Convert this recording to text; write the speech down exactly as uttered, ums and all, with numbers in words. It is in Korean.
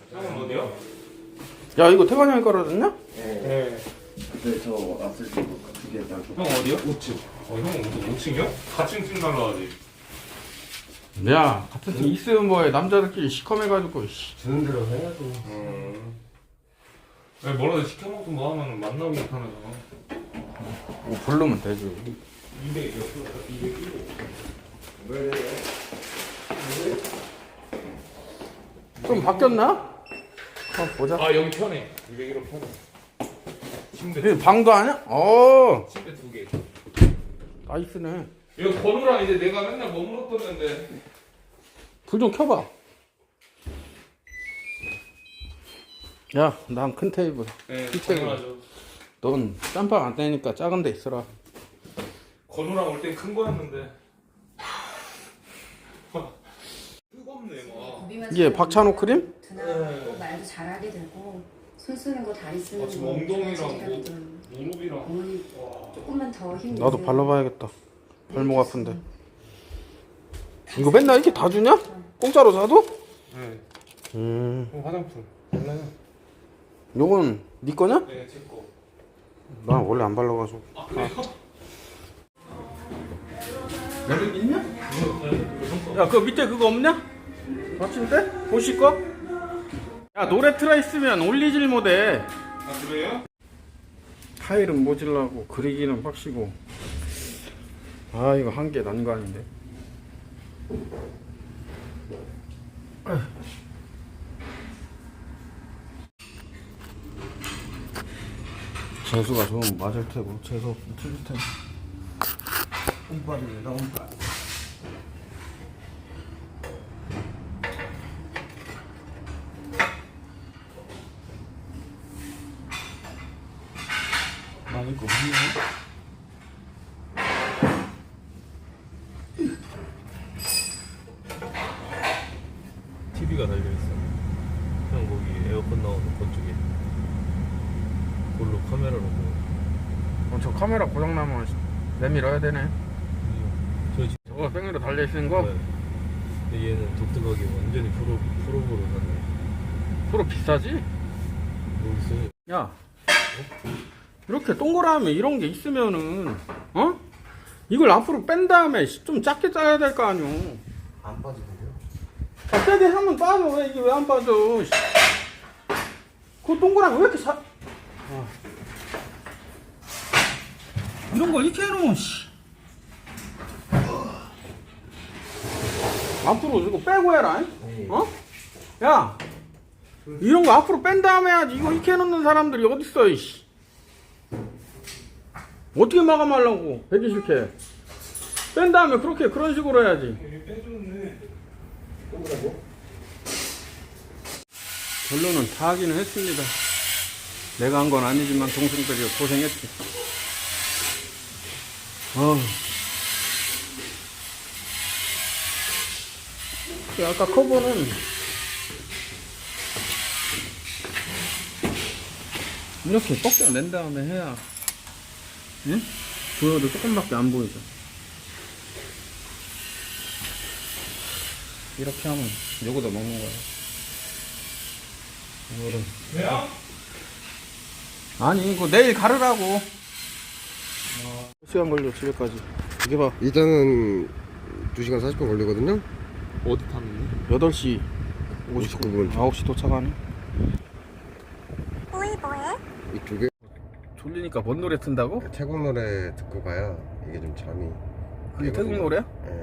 형은 어디요? 야 이거 태관이 형이 깔아줬냐? 네. 근데 저 앞설 두개 딱. 형 어디요? 오 층. 어, 형은 무슨 오 층이요? 사 층쯤 날라가지. 야 같은 팀 있으면 뭐해. 남자들끼리 시커매가지고 씨. 주는 대로 해야죠. 음. 왜 뭐라도 시켜 먹고 뭐 하면 만나기 못하면서. 뭐 부르면 되지. 이백 몇 킬로? 이백 킬로. 왜? 좀 바뀌었나? 한번 보자. 아 여기 편해. 이백 킬로 편해. 침대 이게 방도 아니야? 어 침대 두 개. 나이스네. 이거 건우랑 이제 내가 맨날 머물렀었는데. 불 좀 켜봐. 야 난 큰 테이블. 네, 이 책은. 당연하죠. 넌 짬밥 안 되니까 작은 데 있어라. 건우랑 올 땐 큰 거였는데. 뜨겁네 막. 이게 박찬호 크림? 드나고 말도 잘하게 되고 손 쓰는 거 다리 쓰는 아, 거 지금 엉덩이랑 자질감이 뭐- 좀 무릎이랑. 어머니 와. 조금만 더 힘. 나도 발라봐야겠다. 발목 아픈데. 이거 맨날 이렇게 다 주냐? 공짜로 사도? 네. 음, 형 화장품. 몰라요? 요건 네 거냐? 네, 제 거. 난 원래 안 발라가지고. 아 그래요? 여기 있냐? 야, 그 밑에 그거 없냐? 받침대? 보실 거? 야, 노래 틀어 있으면 올리질 못해. 아 그래요? 타일은 모질라고 그리기는 빡시고. 아, 이거 한 개 난관인데. 재수가 좀 맞을 테고 재수 없으면 틀릴 테고. 운빨입니다, 운빨. 많이 있고 없네. 티비가 달려있어. 형 거기 에어컨 나오는 그쪽에 그걸로 카메라로 보고. 어, 저 카메라 고장나면 내밀어야 되네. 저 지- 저거 백미러 달려있는 거? 네. 근데 얘는 독특하게 완전히 프로 프로보로 샀네. 프로 비싸지? 모르겠어요. 야, 이렇게 동그라미 이런 게 있으면은, 어? 이걸 앞으로 뺀 다음에 좀 작게 짜야 될 거 아니오. 안 빠지는데요? 아, 세게 하면 빠져. 왜 이게 왜 안 빠져? 씨. 그 동그라미 왜 이렇게 사? 아. 이런 걸 이렇게 해놓으면, 씨. 앞으로 이거 빼고 해라. 잉? 어? 야, 이런 거 앞으로 뺀 다음에 해야지. 이거 이렇게 해놓는 사람들이 어딨어, 이씨. 어떻게 마감하려고? 배기 싫게. 뺀 다음에 그렇게, 그런 식으로 해야지. 여기 빼줬네. 결론은 다 하기는 했습니다. 내가 한 건 아니지만 동생들이 고생했지. 어. 아까 커버는 이렇게 꺾여낸 다음에 해야, 응? 보여도 조금밖에 안 보이죠. 이렇게 하면 요거도 먹는 거야. 이거를. 왜요? 아니 이거 내일 가르라고. 어, 시간 걸려 집에까지. 이게 봐. 일단은 두 시간 사십 분 걸리거든요? 어디 탔는데? 여덟 시 오십구 분. 아홉 시 도착하네. 이쪽에 졸리니까 뭔 노래 튼다고? 태국 노래 듣고 가야 이게 좀 잠이. 그게 태국 노래야? 예.